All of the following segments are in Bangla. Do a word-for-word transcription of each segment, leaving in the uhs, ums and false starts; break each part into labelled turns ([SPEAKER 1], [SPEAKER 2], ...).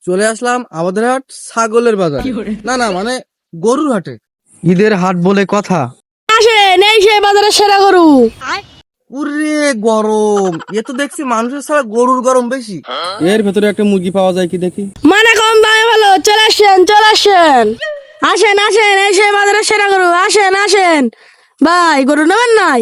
[SPEAKER 1] চলে আসলাম আমাদের হাট ছাগলের বাজার, না না মানে গরুর হাটে। ঈদের হাট বলে কথা।
[SPEAKER 2] আসেন, এই সেই বাজারে সেরা গরু।
[SPEAKER 1] পুরে গরম, এ তো দেখছি মানুষের ছাড়া গরুর গরম বেশি। এর ভেতরে একটা মুরগি পাওয়া যায় কি দেখি।
[SPEAKER 2] মানে কম দামে ভালো, চলে আসেন চলে আসেন আসেন আসেন এই সেই বাজারে সেরা গরু। আসেন আসেন ভাই, গরু নেবেন নাই?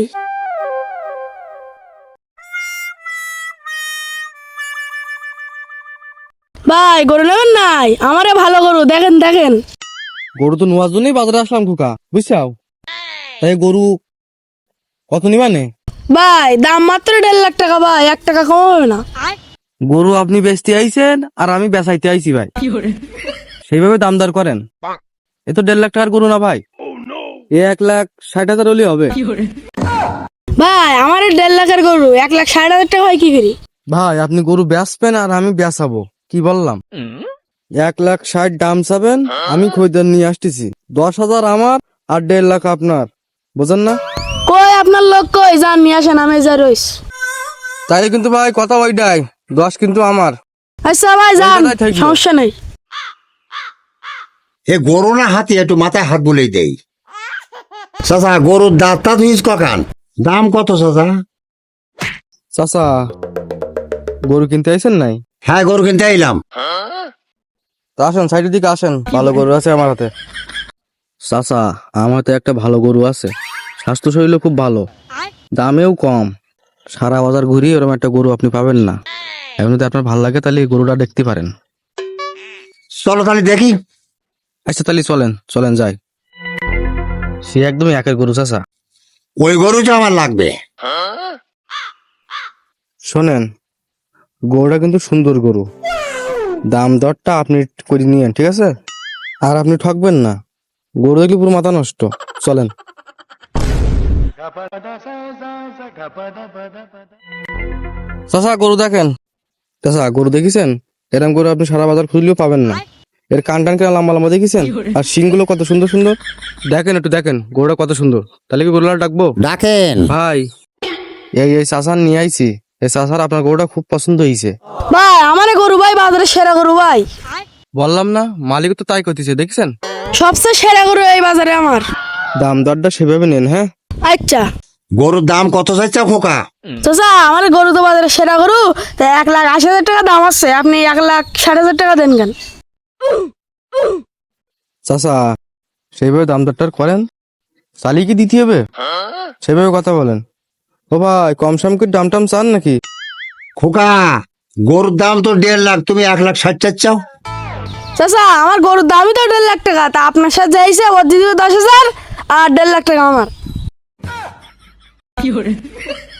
[SPEAKER 2] ভাই গরু নেবেন নাই? আমারে ভালো গরু দেখেন দেখেন।
[SPEAKER 1] গরু তো নেওয়ার জন্যই বাজারে আসলাম খুকা, বুঝছাও। তাই গরু কত নিবানে?
[SPEAKER 2] ভাই দাম মাত্র দেড় লাখ টাকা ভাই, এক টাকা কম হবে না।
[SPEAKER 1] গরু আপনি বেচতে আইছেন আর আমি বেচাইতে আইছি ভাই, সেইভাবে দাম দর করেন। এ তো দেড় লাখ টাকার গরু না ভাই, এ এক লাখ ষাট হাজার হলে হবে।
[SPEAKER 2] ভাই আমার এই দেড় লাখের গরু এক লাখ ষাট হাজার টাকা হয় কি করি?
[SPEAKER 1] ভাই আপনি গরু বেচবেন আর আমি বেচাবো, কি বললাম? এক লাখ ষাট দাম চাবেন, আমি খরিদ্দার নিয়ে আসতেছি। দশ হাজার আমার আর দেড় লাখ আপনার, বুঝেন না?
[SPEAKER 2] কই আপনার লোক কই? যান নিয়ে আসেন, আমি যা রইস।
[SPEAKER 1] তাই কিন্তু ভাই কথা ওইটাই, দশ কিন্তু আমার।
[SPEAKER 2] আচ্ছা ভাই যান,
[SPEAKER 1] ওই কথাই থাকলো।
[SPEAKER 2] সমস্যা নেই।
[SPEAKER 3] এ গরু না হাতি, একটু মাথায় হাত বলেই দেই। চাচা গরুর দাঁতটা তুই ককান, দাম কত চাচা?
[SPEAKER 1] চাচা গরু কিনতে আইছেন নাই?
[SPEAKER 3] হ্যাঁ গরু কিনতে আইলাম।
[SPEAKER 1] তা আসেন সাইডের দিকে আসেন, ভালো গরু আছে আমার হাতে। চাচা আমার হাতে একটা ভালো গরু আছে, স্বাস্থ্য শরীরও খুব ভালো, দামেও কম। সারা বাজার ঘুরিয়ে ওরকম একটা গরু আপনি পাবেন না। এখন যদি আপনার ভালো লাগে তাহলে এই গরুটা দেখতে পারেন।
[SPEAKER 3] চলো তাহলে দেখি।
[SPEAKER 1] আচ্ছা তাহলে চলেন চলেন যাই। সে একদমই একের গরু চাচা।
[SPEAKER 3] ওই গরুটা আমার লাগবে।
[SPEAKER 1] শোনেন, গরুটা কিন্তু সুন্দর গরু, দাম দরটা আপনি করে নিয়েন, ঠিক আছে? আর আপনি ঠকবেন না, গরু দেখলে পুরো মাথা নষ্ট। চলেন। চাচা গরু দেখেন। চাচা গরু দেখেছেন? এরকম গরু আপনি সারা বাজার খুঁজলেও পাবেন না। এর কান টান কেন লম্বা লম্বা দেখেছেন? আর শিংগুলো কত সুন্দর সুন্দর, দেখেন একটু দেখেন গরুটা কত সুন্দর। তাহলে কি গরুটা ডাকবো?
[SPEAKER 3] ডাকেন
[SPEAKER 1] ভাই এই এই চাচার নিয়ে আইছি, এই চাচার আপনার গরুটা খুব পছন্দ হয়েছে।
[SPEAKER 2] ভাই আমার গরু ভাই, বাজারে সেরা গরু ভাই।
[SPEAKER 1] বললাম না, মালিক তো তাই করতেছে, দেখছেন?
[SPEAKER 2] সবচেয়ে সেরা গরু এই বাজারে আমার।
[SPEAKER 1] দাম দরটা সেভাবে নেন, হ্যাঁ?
[SPEAKER 2] আচ্ছা
[SPEAKER 3] গরুর দাম কত চাইছে খোকা?
[SPEAKER 2] চাচা আমার গরু তো বাজারে সেরা গরু, তা এক লাখ আশি হাজার টাকা দাম আছে, আপনি এক লাখ ষাট হাজার টাকা দেন কেন?
[SPEAKER 1] চাচা সেইভাবে দাম দরটার করেন, চালিয়ে কি দিতে হবে? সেভাবে কথা বলেন। ও ভাই কম সম করে দাম টাম চান নাকি?
[SPEAKER 3] খোকা গরুর দাম তো দেড় লাখ, তুমি এক লাখ ষাট চাচ্ছাও।
[SPEAKER 2] চাচা আমার গরুর দামই তো দেড় লাখ টাকা, তা আপনার সাথে যাইছে ওর দিদি দশ হাজার আর দেড় লাখ টাকা আমার।